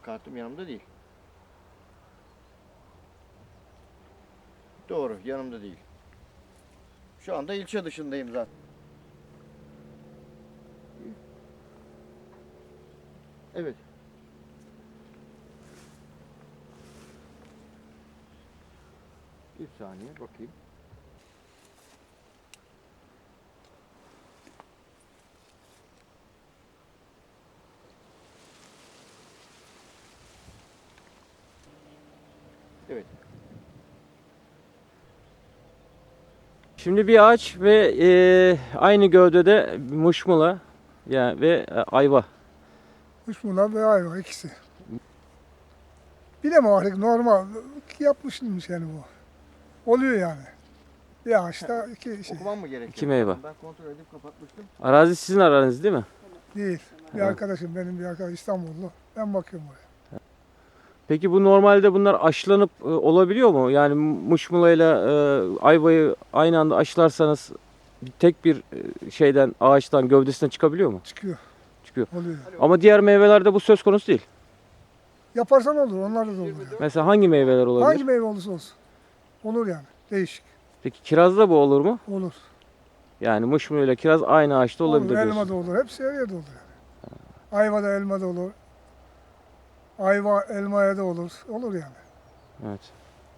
Kartım yanımda değil. Doğru, yanımda değil. Şu anda ilçe dışındayım zaten. Evet. Bir saniye bakayım. Evet. Şimdi bir ağaç ve aynı gövdede muşmula yani ve ayva. Kuşmula ve ayva ikisi. Bilemem artık normal yapmışmış yani bu. Oluyor yani. Bir ağaçta iki şey Okumam mı gerekiyor? İki meyve. Ben kontrol edip kapatmıştım. Arazi sizin aranız değil mi? değil. Bir Evet. arkadaşım benim bir arkadaş İstanbullu. Ben bakıyorum oraya. Peki bu normalde bunlar aşılanıp olabiliyor mu? Yani muşmulayla ayvayı aynı anda aşılarsanız tek bir şeyden ağaçtan gövdesinden çıkabiliyor mu? Çıkıyor. Çıkıyor. Oluyor. Ama diğer meyvelerde bu söz konusu değil. Yaparsan olur. Onlar da olur. Yani. Mesela hangi meyveler olabilir? Hangi meyve olursa olsun. Olur yani. Değişik. Peki kirazda bu olur mu? Olur. Yani muşmula ile kiraz aynı ağaçta olabilir Olur. Elma diyorsun. da olur. Hepsi her yerde olur yani. Ayva da elma da olur. Ayva elmaya da olur. Olur yani. Evet.